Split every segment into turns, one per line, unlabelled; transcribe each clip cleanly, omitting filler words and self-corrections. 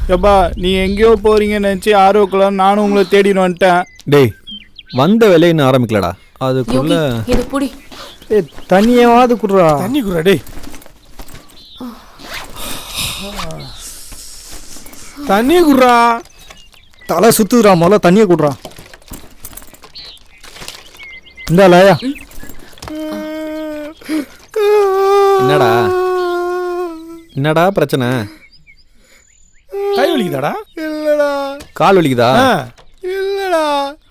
எப்பா நீ எங்கேயோ போறீங்கன்னு நினச்சி ஆர்வக்குள்ள நானும் உங்களை தேடின்னு வந்துட்டேன்.
டேய் வந்த வேலையை இன்னும் ஆரம்பிக்கலடா. அதுக்குள்ள
இது புடி.
தண்ணியாவது குடுறா.
தண்ணி குடுறா டேய். தண்ணி குடுறா.
தலை சுத்துறா, முதல்ல தண்ணியை குடுறா. இந்தாலயா.
என்னடா என்னடா பிரச்சனை?
கை வலிக்குதாடா? இல்லடா.
கால் வலிக்குதா?
இல்லடா.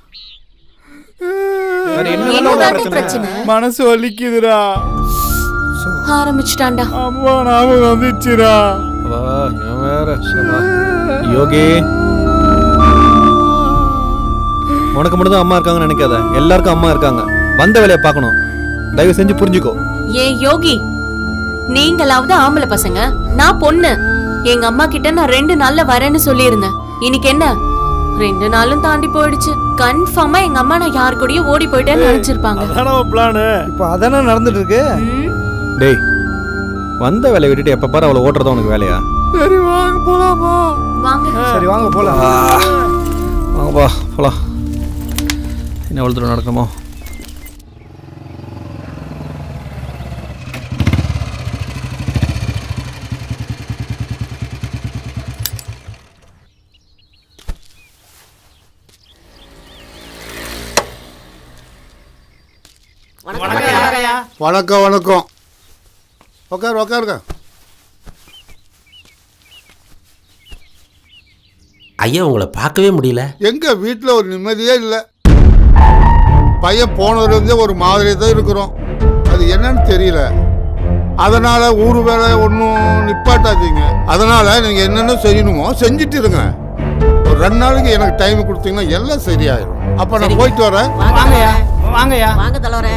என்னடா பிரச்சனை?
மனசு வலிக்குதுடா.
ஆரம்பிச்சிட்டான்டா.
அம்மா ஞாபகம் வந்துச்சுடா.
வா நான் வேற யோகி, உனக்கு மட்டும் தான் அம்மா இருக்காங்கன்னு நினைக்காத. எல்லாருக்கும் அம்மா இருக்காங்க. வந்த வேலையை பார்க்கணும். தயவு செஞ்சு புரிஞ்சுக்கோ.
ஏ யோகி, நீங்களாவது ஆம்பளை பசங்க, நான் பொண்ணு. எங்க அம்மா கிட்ட நான் 2 நாள்ல வரேன்னு சொல்லியிருந்தேன். இன்னைக்கு என்ன 2 நாளும் தாண்டி போயிடுச்சு. கன்ஃபார்மா எங்க அம்மா நான் யாரு கூடயும் ஓடி போயிட்டேன்னு நினைச்சிருப்பாங்க.
இப்போ அதானே நடந்துட்டு இருக்கு.
டேய் வந்த வேலையை விட்டுட்டு எப்ப பாரு அவளை ஓட்டுறதா உனக்கு வேலையா?
சரி வாங்க போலாமா?
வாங்க.
சரி வாங்க போலாம்.
வாங்கப்பா போலாம். என்ன எவ்வளோ தூரம் நடக்கணுமோ?
வணக்கம் வணக்கம். உட்காருங்க.
ஐயா உங்களை பார்க்கவே முடியல.
எங்க வீட்டில் ஒரு நிம்மதியே இல்லை. பையன் போனதுலேருந்தே ஒரு மாதிரி தான் இருக்கிறோம். அது என்னன்னு தெரியல. அதனால ஊர் வேலை ஒன்றும் நிப்பாட்டாதீங்க. அதனால நீங்கள் என்னென்ன செய்யணுமோ செஞ்சுட்டு இருங்க. ஒரு 2 நாளைக்கு எனக்கு டைம் கொடுத்தீங்கன்னா எல்லாம் சரியாயிடும். அப்போ நான் போயிட்டு வரேன்.
வாங்கய்யா.
வாங்க தலைவரே.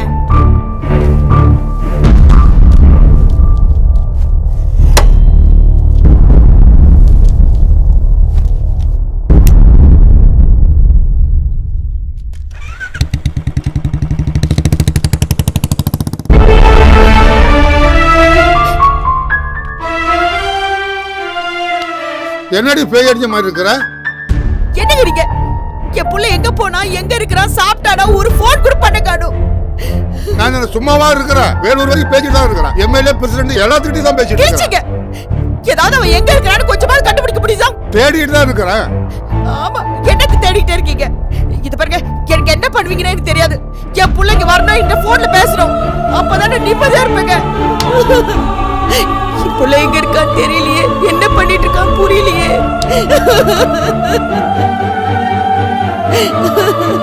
என்னடி பேய் அடிச்ச மாதிரி இருக்கிற?
என்னங்கிறீங்க? என் புள்ள எங்க போனா, எங்க இருக்கிறான், சாப்பிட்டானா, ஒரு போன் கூட பண்ண காணும்.
நான் சும்மாவா இருக்கிறேன்? வேலூர் வரைக்கும் பேசிட்டு தான் இருக்கிறேன். எம்எல்ஏ பிரசிடென்ட் எல்லாத்துக்கிட்டையும் தான் பேசிட்டு
பேசிங்க. ஏதாவது அவன் எங்க இருக்கிறான்னு கொஞ்சமாவது கண்டுபிடிக்க முடியுதா?
தேடிட்டு தான் இருக்கிறேன்.
ஆமா, என்னக்கு தேடிட்டே இருக்கீங்க? இது பாருங்க, எனக்கு என்ன பண்ணுவீங்கன்னு எனக்கு தெரியாது. என் பிள்ளைங்க வரணும், இந்த போன்ல பேசணும். அப்பதானே நிம்மதியா இருப்பேங்க. புள்ள எங்க இருக்கான்னு தெரியலையே, என்ன பண்ணிட்டு இருக்கான்னு புரியலையே.